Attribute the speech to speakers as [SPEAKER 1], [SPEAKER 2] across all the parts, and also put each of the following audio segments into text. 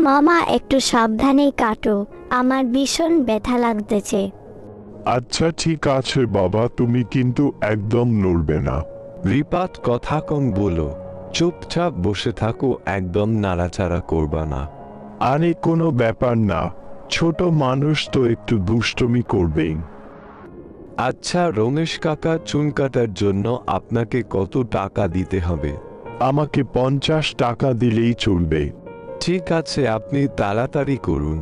[SPEAKER 1] মামা একটু সাবধানে কাটো, আমার ভীষণ ব্যথা লাগতেছে।
[SPEAKER 2] আচ্ছা ঠিক আছে বাবা, তুমি কিন্তু একদম নড়বে না।
[SPEAKER 3] রিপাত কথা কম বলো, চুপচাপ বসে থাকো, একদম নাড়াচাড়া করবা না।
[SPEAKER 2] আরে কোনো ব্যাপার না, ছোট মানুষ তো একটু দুষ্টুমি করবেই।
[SPEAKER 3] আচ্ছা রমেশ কাকা, চুল কাটার জন্য আপনাকে কত টাকা দিতে হবে?
[SPEAKER 2] আমাকে 50 টাকা দিলেই চলবে।
[SPEAKER 3] ঠিক আছে, আপনি তাড়াতাড়ি করুন।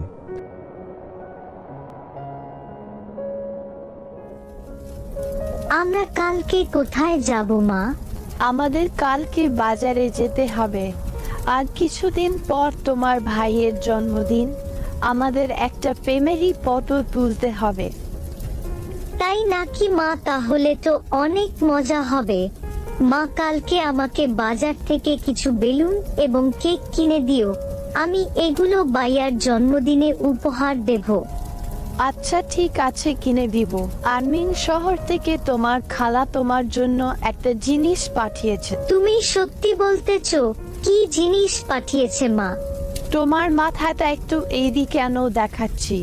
[SPEAKER 1] আমরা কালকে কোথায় যাব মা?
[SPEAKER 4] আমাদের কালকে বাজারে যেতে হবে। আর কিছুদিন পর তোমার ভাইয়ের জন্মদিন, আমাদের একটা ফ্যামিলি ফটো তুলতে হবে।
[SPEAKER 1] তাই নাকি মা? তাহলে তো অনেক মজা হবে। মা কালকে আমাকে বাজার থেকে কিছু বেলুন এবং কেক কিনে দিও, আমি এগুলো ভাইয়ার জন্মদিনে উপহার দেব।
[SPEAKER 4] আচ্ছা ঠিক আছে, কিনে দিব। আর্মিন শহর থেকে তোমার খালা তোমার জন্য একটা জিনিস পাঠিয়েছে।
[SPEAKER 1] তুমি সত্যি বলতেছো? কি জিনিস পাঠিয়েছে মা?
[SPEAKER 4] তোমার মাথাটা একটু এইদিকে কেন দেখাচ্ছি।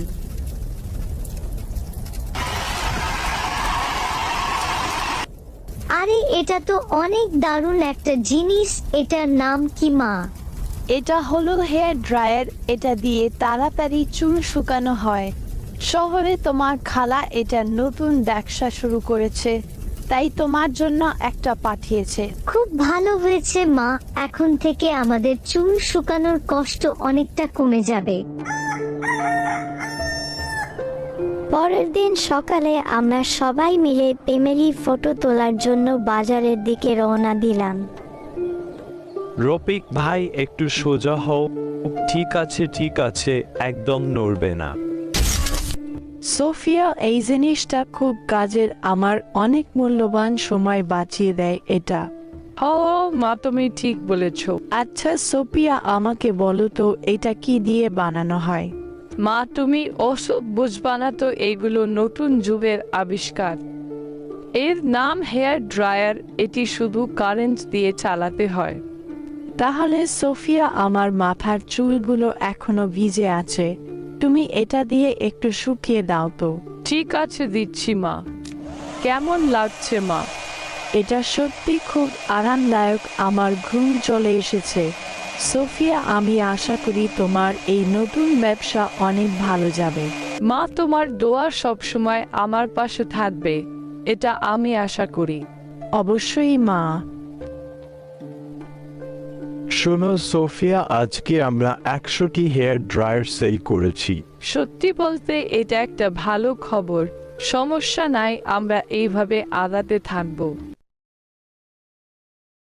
[SPEAKER 1] আরে এটা তো অনেক দারুণ একটা জিনিস, এটার নাম কি মা?
[SPEAKER 4] এটা হলো হেয়ার ড্রায়ার, এটা দিয়ে তাড়াতাড়ি চুল শুকানো হয়। শহরে তোমার খালা এটা নতুন ব্যবসা শুরু করেছে, তাই তোমার জন্য একটা পাঠিয়েছে।
[SPEAKER 1] খুব ভালো হয়েছে মা, এখন থেকে আমাদের চুল শুকানোর কষ্ট অনেকটা কমে যাবে। পরের দিন সকালে আমরা সবাই মিলে ফ্যামিলি ফটো তোলার জন্য বাজারের দিকে রওনা দিলাম।
[SPEAKER 5] রফিক ভাই একটু সোজা হও। ঠিক আছে ঠিক আছে, একদম নড়বে না।
[SPEAKER 4] সোফিয়া, এই জিনিসটা খুব কাজের, আমার অনেক মূল্যবান সময় বাঁচিয়ে দেয় এটা।
[SPEAKER 6] ও মা, তুমি ঠিক বলেছ।
[SPEAKER 4] আচ্ছা সোফিয়া, আমাকে বলো তো এটা কি দিয়ে বানানো হয়?
[SPEAKER 6] মা তুমি ওসব বুঝবা না তো, এগুলো নতুন যুগের আবিষ্কার। এর নাম হেয়ার ড্রায়ার, এটি শুধু কারেন্ট দিয়ে চালাতে হয়।
[SPEAKER 4] তাহলে সোফিয়া, আমার মাথার চুলগুলো এখনো ভিজে আছে, তুমি এটা দিয়ে একটু শুকিয়ে দাও তো।
[SPEAKER 6] ঠিক আছে, দিচ্ছি মা। কেমন লাগছে মা?
[SPEAKER 4] এটা সত্যি খুব আরামদায়ক, আমার ঘুম চলে এসেছে। সোফিয়া, আমি আশা করি তোমার এই নতুন ব্যবসা অনেক ভালো যাবে।
[SPEAKER 6] মা তোমার দোয়া সবসময় আমার পাশে থাকবে, এটা আমি আশা করি।
[SPEAKER 4] অবশ্যই মা।
[SPEAKER 2] শোনো সোফিয়া, আজকে আমরা 100টি হেয়ার ড্রায়ার সেল করেছি।
[SPEAKER 6] সত্যি বলতে এটা একটা ভালো খবর। সমস্যা নাই, আমরা এইভাবে আগাতে থাকবো।